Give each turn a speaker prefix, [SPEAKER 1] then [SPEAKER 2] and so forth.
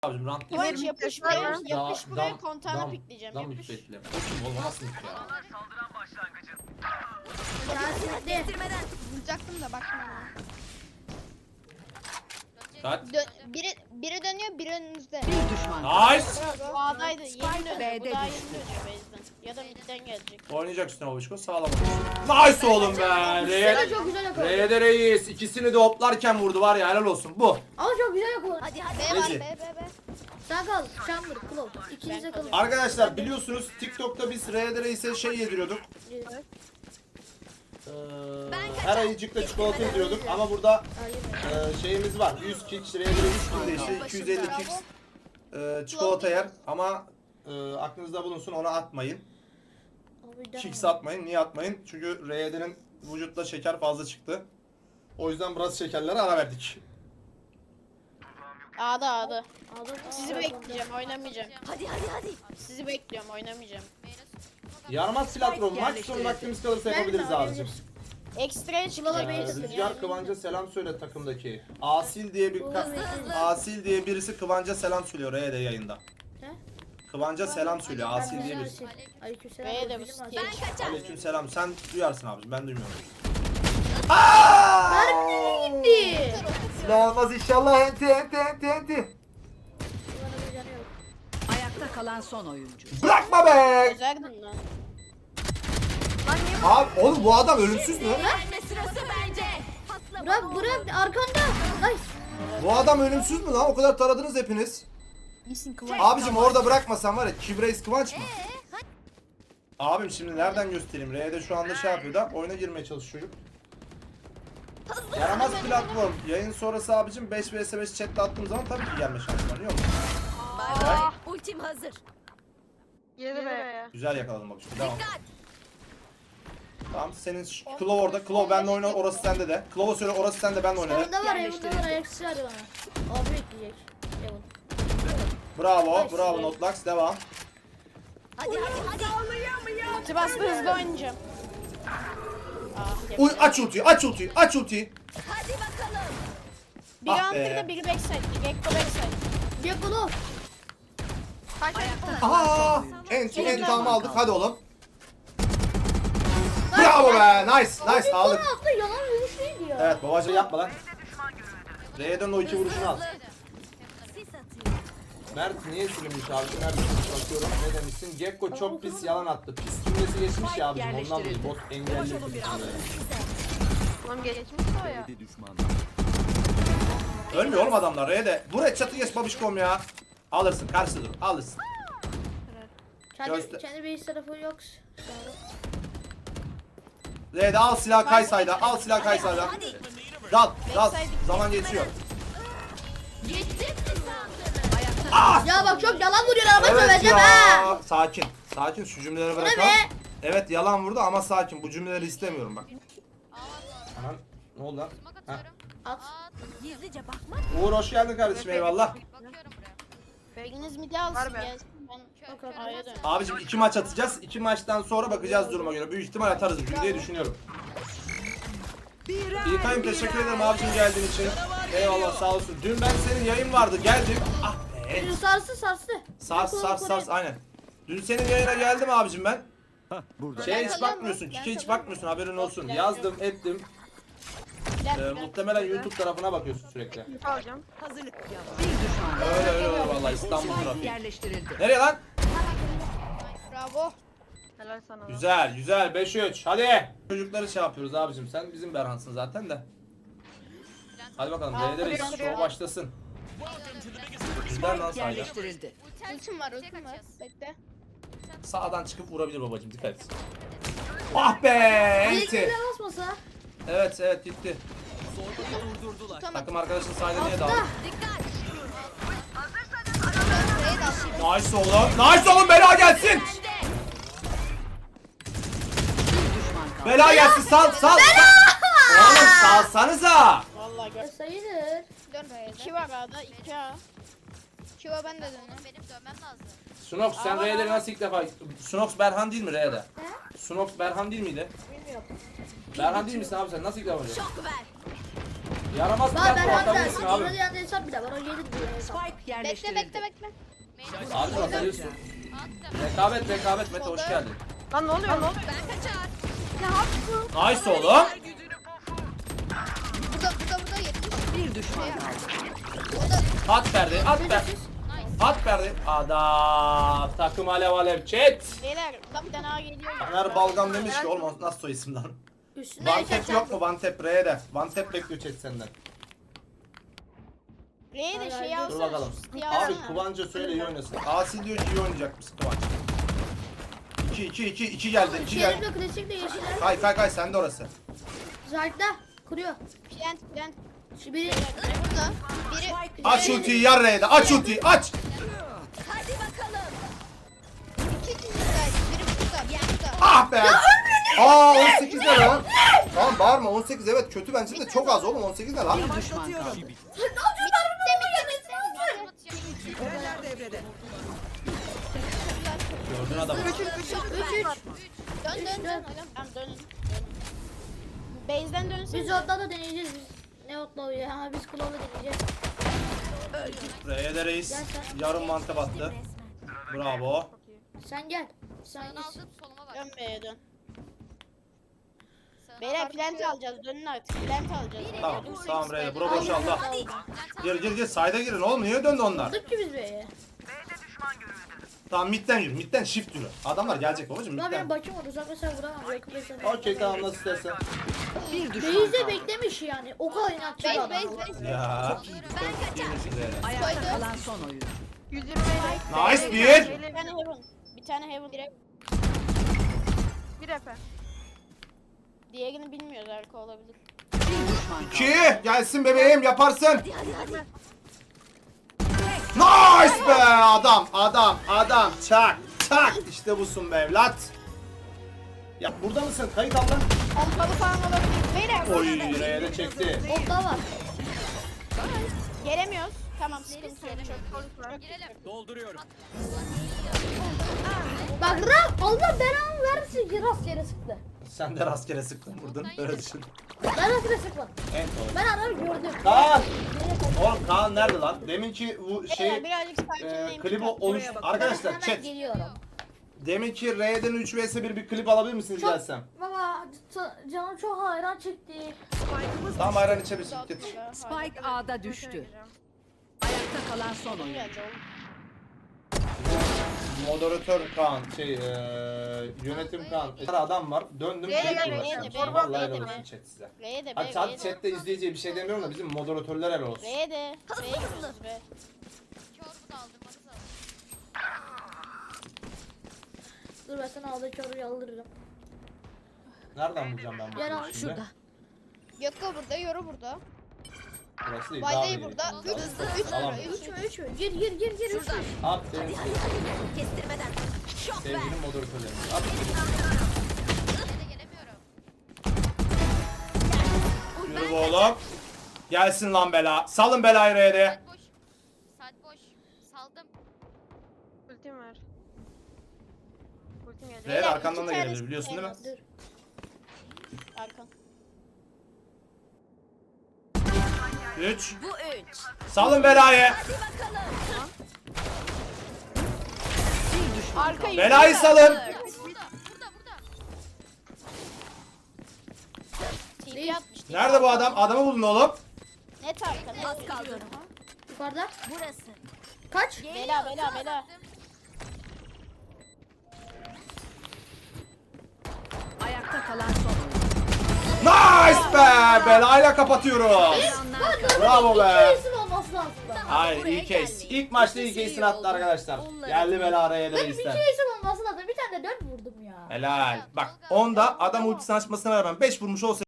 [SPEAKER 1] Abicim rant değil.
[SPEAKER 2] Kıvanç yapış buraya,
[SPEAKER 1] Dam-
[SPEAKER 2] yapış buraya,
[SPEAKER 1] dam-
[SPEAKER 2] kontağını pikleyeceğim.
[SPEAKER 1] Dam
[SPEAKER 2] Yapış.
[SPEAKER 1] bekle. O kim oğlum, nasıl ya?
[SPEAKER 3] Kestirmeden.
[SPEAKER 2] Vuracaktım da bakma.
[SPEAKER 1] Kaç?
[SPEAKER 2] Biri dönüyor, biri önünüzde.
[SPEAKER 4] Bir düşman.
[SPEAKER 1] Nice.
[SPEAKER 2] Bu A'daydı, yeni dönüyor.
[SPEAKER 4] B'de
[SPEAKER 2] Bu daha
[SPEAKER 4] düştü.
[SPEAKER 2] yeni dönüyor base'den. Ya da midden gelecek.
[SPEAKER 1] Oynayacak üstüne babişko, sağlam oynuyorsun. Nice oğlum be.
[SPEAKER 5] Ama çok güzel yakaladı.
[SPEAKER 1] R'de reis. İkisini de hoplarken vurdu var ya, helal olsun bu.
[SPEAKER 5] Ama çok güzel yakaladı.
[SPEAKER 3] Hadi hadi.
[SPEAKER 2] B var,
[SPEAKER 1] Ece.
[SPEAKER 2] B.
[SPEAKER 5] Sen kal. Chamber, Claw. İkiniz de kalın.
[SPEAKER 1] Arkadaşlar biliyorsunuz TikTok'ta biz R'de reis'e şey yediriyorduk. Her ayıcıkta çikolata yediriyorduk ama burada şeyimiz var. 100 kişi R'de 3 günde işte 250 kişi çikolata yer ama aklınızda bulunsun, onu atmayın. Kicks atmayın. Niye atmayın? Çünkü RYD'nin vücutta şeker fazla çıktı. O yüzden biraz şekerlere ara verdik.
[SPEAKER 2] A'da. Sizi bekleyeceğim, oynamayacağım.
[SPEAKER 3] Hadi.
[SPEAKER 2] Sizi bekliyorum, oynamayacağım.
[SPEAKER 1] Yaramaz platform. Maç sonu vaktimiz kalırsa yapabiliriz abicim.
[SPEAKER 2] Ekstraya çıkacak.
[SPEAKER 1] Rüzgar Kıvanç'a selam söyle takımdaki. Asil diye birisi Kıvanç'a selam söylüyor RYD yayında.
[SPEAKER 5] Ne?
[SPEAKER 1] Kıvanç'a selam söylüyor. Asil diye birisi.
[SPEAKER 5] Aleykümselam.
[SPEAKER 2] B'ye de bu
[SPEAKER 5] Bizim var.
[SPEAKER 2] stage.
[SPEAKER 3] Ben kaçar.
[SPEAKER 1] Aleykümselam. Sen duyarsın abicim. Ben duymuyorum.
[SPEAKER 5] Gitti.
[SPEAKER 1] Silah almaz inşallah. Enti.
[SPEAKER 5] Bana bir canı yok.
[SPEAKER 4] Ayakta kalan son oyuncu.
[SPEAKER 1] Bırakma be.
[SPEAKER 2] Özerdin lan.
[SPEAKER 1] Abi oğlum bu adam ölümsüz mü?
[SPEAKER 3] Verme sırası bence. Patla.
[SPEAKER 5] Bırak arkanda. Nice.
[SPEAKER 1] Bu adam ölümsüz mü lan? O kadar taradınız hepiniz.
[SPEAKER 2] İyisin Kıvanç.
[SPEAKER 1] Abicim orada bırakmasan var ya, Kibreis Kıvanç mı? Abim şimdi nereden göstereyim? R'de şu anda şey yapıyor da oyuna girmeye çalışıyor. Yaramaz platform. Yayın sonrası abicim 5 vs 5 chatle attığım zaman tabii ki gelme şansı var. Yok.
[SPEAKER 3] Bay bay. Ultim hazır.
[SPEAKER 1] Güzel yakaladım bak şimdi. Devam.
[SPEAKER 3] Dikkat.
[SPEAKER 1] Tamam senin Claw orada. Claw benle oyna, orası sende de. Claw'a söyle orası sende, benle oyna de.
[SPEAKER 5] Orada var, Evan'da var. Ayaksız hadi bana. Abi bekleyecek. Evan.
[SPEAKER 1] Bravo Notlax, devam.
[SPEAKER 3] Hadi.
[SPEAKER 2] Ulti bastı, hızlı oynayacağım. Ah,
[SPEAKER 1] Uy,
[SPEAKER 2] yapacağım.
[SPEAKER 1] aç ultiyi.
[SPEAKER 3] Hadi bakalım.
[SPEAKER 2] Biri
[SPEAKER 1] Ah be.
[SPEAKER 2] Hunter'da, biri backside. Gekko backside.
[SPEAKER 5] Gekolo.
[SPEAKER 1] Aha! Entamı aldık, hadi oğlum. Bravo be, nice aldık.
[SPEAKER 5] Bana attı, yalan vuruş değil ya.
[SPEAKER 1] Evet babacığım, yapma lan. R'den o iki vuruşunu al.
[SPEAKER 3] Sis atıyor.
[SPEAKER 1] Mert niye silinmiş abi? Mert bakıyorum, ne demişsin? Gekko çok pis yalan attı. Pis cümlesi geçmiş ya abicim, ondan dolayı bot engelli.
[SPEAKER 6] Tamam geçmiş o ya.
[SPEAKER 1] Ölmüyor oğlum adamlar R'de. Buraya çatı geç babişkom ya. Alırsın, karşı dur, alırsın.
[SPEAKER 5] Kendi base tarafı yok.
[SPEAKER 1] R'de al silah Kaysay'da, Dal, zaman geçiyor.
[SPEAKER 3] Gittim mi sandın?
[SPEAKER 5] Ya bak çok yalan vuruyor ama
[SPEAKER 1] Evet
[SPEAKER 5] söyleyeceğim ha.
[SPEAKER 1] ya. Sakin şu cümleleri
[SPEAKER 5] Ne
[SPEAKER 1] bırakalım.
[SPEAKER 5] be?
[SPEAKER 1] Evet yalan vurdu ama sakin, bu cümleleri istemiyorum bak. Anan ne oldu lan? Heh.
[SPEAKER 5] At.
[SPEAKER 3] Gizlice bakmak.
[SPEAKER 1] Uğur hoş geldin kardeşim, eyvallah.
[SPEAKER 2] Biriniz midi alsın,
[SPEAKER 6] Var be.
[SPEAKER 2] gelsin. Ben A'ya dön.
[SPEAKER 1] Abicim 2 maç atacağız. 2 maçtan sonra bakacağız duruma göre. Büyük ihtimal atarız bugün diye düşünüyorum. İlkay'ım teşekkür ederim abicim geldiğin için. Eyvallah, sağ olsun. Dün ben senin yayın vardı, geldim. Ah be. Sars aynen. Dün senin yayına geldim abicim ben. Şeye hiç bakmıyorsun, Kike hiç bakmıyorsun, haberin olsun. Yazdım, ettim. Muhtemelen YouTube tarafına bakıyorsun sürekli.
[SPEAKER 6] Alacağım.
[SPEAKER 4] Hazırlık yap. Bir düşman.
[SPEAKER 1] Öyle vallahi, İstanbul trafiği.
[SPEAKER 4] Yerleştirildi.
[SPEAKER 1] Nereye lan?
[SPEAKER 2] Bravo.
[SPEAKER 6] Helal sana.
[SPEAKER 1] Güzel 5-3 hadi. Çocukları şey yapıyoruz abicim, sen bizim Berhansın zaten de. Hadi bakalım beğeniriz, show başlasın. Bizden lan sayda.
[SPEAKER 4] Yerleştirildi.
[SPEAKER 2] Ultim var. Bekle.
[SPEAKER 1] Sağdan çıkıp vurabilir babacım, dikkat et. Ah be enti.
[SPEAKER 5] Bilgiyle basmasa.
[SPEAKER 1] Evet gitti.
[SPEAKER 2] Tutamadım.
[SPEAKER 1] Takım arkadaşın sayda niye daldı?
[SPEAKER 3] Dikkat.
[SPEAKER 1] Nice oğlum bela gelsin.
[SPEAKER 3] Bende.
[SPEAKER 4] Bir düşman kaldı.
[SPEAKER 1] Bela gelsin, sal. Oğlum salsanıza.
[SPEAKER 2] Vallahi gör.
[SPEAKER 5] Sayılır.
[SPEAKER 2] Dön B'ye. 2 var A'da, 2 A. 2 A ben de dönüyorum.
[SPEAKER 3] Benim dönmem lazım.
[SPEAKER 1] Sunox sen R'de nasıl ilk defa? Sunox Berhan değil mi R'de? Sunox Berhan değil miydi?
[SPEAKER 5] Bilmiyorum.
[SPEAKER 1] Berhan değil misin abi sen? Nasıl ilk defa?
[SPEAKER 3] Şok ver.
[SPEAKER 1] Yaramaz
[SPEAKER 5] Bak
[SPEAKER 1] plant
[SPEAKER 5] ben
[SPEAKER 1] bu
[SPEAKER 5] hatta
[SPEAKER 1] atabilirsin abi.
[SPEAKER 5] burada yanında hesap bile var. O 7 bile hesap.
[SPEAKER 4] Spike
[SPEAKER 2] Bekle
[SPEAKER 4] yerleştirildi.
[SPEAKER 2] bekle bekle.
[SPEAKER 3] Main
[SPEAKER 1] Abi atabilirsin.
[SPEAKER 3] attım.
[SPEAKER 1] Rekabet Mete hoş geldin.
[SPEAKER 6] Lan ne oluyor ne oluyor?
[SPEAKER 3] Ben kaçar.
[SPEAKER 1] Nice oğlum.
[SPEAKER 2] Burada 70.
[SPEAKER 4] Bir düşman kaldı.
[SPEAKER 1] At Ferdi, at Ferdi. At Ferdi. Adam. Takım alev alev chat.
[SPEAKER 2] Beyler burada bir tane A geliyor.
[SPEAKER 1] Taner Balgam demiş ki oğlum nasıl soy isim lan?
[SPEAKER 5] Üstüne
[SPEAKER 1] One tap yok mu? One tap R'ye de. One tap bekliyor chat senden.
[SPEAKER 2] R'ye de şey
[SPEAKER 5] Dur
[SPEAKER 2] alsana.
[SPEAKER 1] Dur bakalım. Abi Kıvanç'a söyle iyi oynasın. Asi diyor ki iyi oynayacakmış Kıvanç. 2 geldi. 2 geldi.
[SPEAKER 5] Şerif'le klasikle yeşiller.
[SPEAKER 1] Kay sende orası.
[SPEAKER 5] Zayt'ta kuruyor.
[SPEAKER 2] Plant.
[SPEAKER 5] Şu biri
[SPEAKER 2] Biri burada. Biri.
[SPEAKER 1] Aç ultiyi yar R'ye de. Aç ultiyi aç.
[SPEAKER 3] Hadi bakalım.
[SPEAKER 2] İki kişiler. Biri burada. Biri burada.
[SPEAKER 1] Ah be. Aa 18 ne lan? Tamam bağırma 18 evet kötü bence de çok az oğlum 18 ne lan?
[SPEAKER 4] Bir düşman kaldı.
[SPEAKER 3] Kuleler devrede.
[SPEAKER 1] Gördün adamı.
[SPEAKER 5] 3
[SPEAKER 2] Dön. Tamam dönün. Base'den dönsene.
[SPEAKER 5] Biz otla da deneyeceğiz biz. Ne otla ya? Ha biz kulağla deneyeceğiz.
[SPEAKER 1] R'ye de reis. Yarım mantı battı. Bravo.
[SPEAKER 5] Sen gel. Sen
[SPEAKER 3] Sağını
[SPEAKER 5] git.
[SPEAKER 3] aldım soluma bak.
[SPEAKER 2] Dön B'ye dön.
[SPEAKER 3] Sağına
[SPEAKER 2] Beyler
[SPEAKER 3] bak.
[SPEAKER 2] plant alacağız. Dönün artık. Plant alacağız.
[SPEAKER 1] Tamam
[SPEAKER 2] Dönün
[SPEAKER 1] tamam
[SPEAKER 2] sekiz
[SPEAKER 1] R'ye
[SPEAKER 2] tane.
[SPEAKER 1] bura boşaldı.
[SPEAKER 3] Hadi.
[SPEAKER 1] Gir sayda girin oğlum niye döndü onlar?
[SPEAKER 5] Aldık ki biz B'ye.
[SPEAKER 1] Tamam midden yürü midden shift yürü. Adamlar gelecek babacım
[SPEAKER 5] Ulan benim
[SPEAKER 1] midden.
[SPEAKER 5] bakım var. Uzak mesela vuramam. Yakın mesela.
[SPEAKER 1] Okey tamam nasıl istersen.
[SPEAKER 4] Bir düşman
[SPEAKER 5] Beyze
[SPEAKER 4] kaldı.
[SPEAKER 5] beklemiş yani. O kadar inatçı bir adam.
[SPEAKER 2] Base.
[SPEAKER 1] Ya.
[SPEAKER 4] Ayakta kalan son oyuncu.
[SPEAKER 6] 120
[SPEAKER 1] Nice bir.
[SPEAKER 2] Bir tane heaven. Bir tane heaven.
[SPEAKER 6] Bir efe.
[SPEAKER 2] Diğerini bilmiyoruz arka olabilir.
[SPEAKER 4] Bir düşman kaldı.
[SPEAKER 1] 2 gelsin bebeğim yaparsın. Nice be adam çak işte busun be evlat. Ya burada mısın kayıt al lan.
[SPEAKER 2] Pompalı falan olabilir. Beyler.
[SPEAKER 1] Oy R'ye de çekti.
[SPEAKER 5] Otla var.
[SPEAKER 2] Gelemiyoruz. Tamam sıkıntı yok. Çok
[SPEAKER 3] Girelim.
[SPEAKER 5] Bak Allah belanı versin ki rastgele sıktı.
[SPEAKER 1] Sen de rastgele sıktın vurdun öyle düşün.
[SPEAKER 5] Ben rastgele sıkmadım.
[SPEAKER 1] En doğru.
[SPEAKER 5] Ben adamı gördüm.
[SPEAKER 1] Kaan!
[SPEAKER 5] Nereye kaçtı?
[SPEAKER 1] Oğlum Kaan nerede lan? Deminki bu
[SPEAKER 2] Beyler
[SPEAKER 1] şey
[SPEAKER 2] birazcık sakinleyin.
[SPEAKER 1] klibi oluş... Arkadaşlar
[SPEAKER 5] Hemen
[SPEAKER 1] chat.
[SPEAKER 5] geliyorum.
[SPEAKER 1] Deminki R'den 3 vs 1 bir klip alabilir misiniz gelsem?
[SPEAKER 5] Baba canım çok hayran çekti.
[SPEAKER 1] Tamam ayran içebilirsin getir.
[SPEAKER 4] Spike A'da düştü. Ayakta kalan son oyuncu.
[SPEAKER 2] Geldi oğlum.
[SPEAKER 1] Moderatör Kaan, yönetim Kaan. Bir adam var, döndüm
[SPEAKER 2] R'ye
[SPEAKER 1] klip
[SPEAKER 2] de, R'ye
[SPEAKER 1] uğraşıyorum.
[SPEAKER 2] de,
[SPEAKER 1] Vallahi
[SPEAKER 2] R'ye de,
[SPEAKER 1] helal olsun
[SPEAKER 2] R'ye
[SPEAKER 1] chat size.
[SPEAKER 2] R'ye de
[SPEAKER 1] Hadi
[SPEAKER 2] be.
[SPEAKER 1] sadece chatte izleyiciye bir şey demiyorum da bizim moderatörler helal olsun.
[SPEAKER 2] R'ye de. R'ye gidiyoruz be.
[SPEAKER 3] Çorbu da aldım. Hadi sağ ol.
[SPEAKER 5] Dur ben sana aldaki orayı aldırırım.
[SPEAKER 1] Nereden bulacağım ben
[SPEAKER 5] Gel
[SPEAKER 1] bunu
[SPEAKER 5] al
[SPEAKER 1] şimdi?
[SPEAKER 5] şurada.
[SPEAKER 2] Gökko burada, Yoru burada.
[SPEAKER 1] Burası değil, daha
[SPEAKER 2] Vayday
[SPEAKER 1] iyi.
[SPEAKER 2] burada.
[SPEAKER 1] Tamam.
[SPEAKER 5] 3 mü? Gir 3 mü?
[SPEAKER 1] At senin
[SPEAKER 3] Kestirmeden. Şok ver.
[SPEAKER 1] sevgili moderatörlerin. At.
[SPEAKER 3] Yine de gelemiyorum.
[SPEAKER 1] Yürü bu oğlum. Gelsin lan bela. Salın belayı R'ye.
[SPEAKER 3] Saat boş. Saat boş. Saldım.
[SPEAKER 6] Ultim var. Ultim gelecek.
[SPEAKER 1] R'ye arkandan da
[SPEAKER 2] İki
[SPEAKER 1] gelebilir
[SPEAKER 2] tanesi
[SPEAKER 1] biliyorsun değil mi?
[SPEAKER 2] elmas. Arkan.
[SPEAKER 1] 3.
[SPEAKER 3] Bu 3.
[SPEAKER 1] Salın belayı.
[SPEAKER 3] Hadi bakalım.
[SPEAKER 4] Bir düşman
[SPEAKER 2] Arka
[SPEAKER 4] kaldı.
[SPEAKER 1] Belayı salın.
[SPEAKER 3] Burada. Burada.
[SPEAKER 2] TP atmış.
[SPEAKER 1] Nerede bu adam? Adamı bulun oğlum.
[SPEAKER 2] Net arka. Net.
[SPEAKER 3] Az kaldı.
[SPEAKER 5] Yukarıda.
[SPEAKER 3] Burası.
[SPEAKER 5] Kaç?
[SPEAKER 2] Bela.
[SPEAKER 4] Ayakta kalan son oyuncu.
[SPEAKER 1] Nice be. Belayla kapatıyoruz. Bravo be.
[SPEAKER 5] İsim olması lazım da.
[SPEAKER 1] Hayır iyi case. İlk maçta iyi case'ini attı arkadaşlar. Geldi bela araya da
[SPEAKER 5] Bir
[SPEAKER 1] reisten.
[SPEAKER 5] kere isim olması lazım. Bir tane de 4 vurdum ya.
[SPEAKER 1] Helal. Bak onda adam ultisini açmasına rağmen 5 vurmuş olsa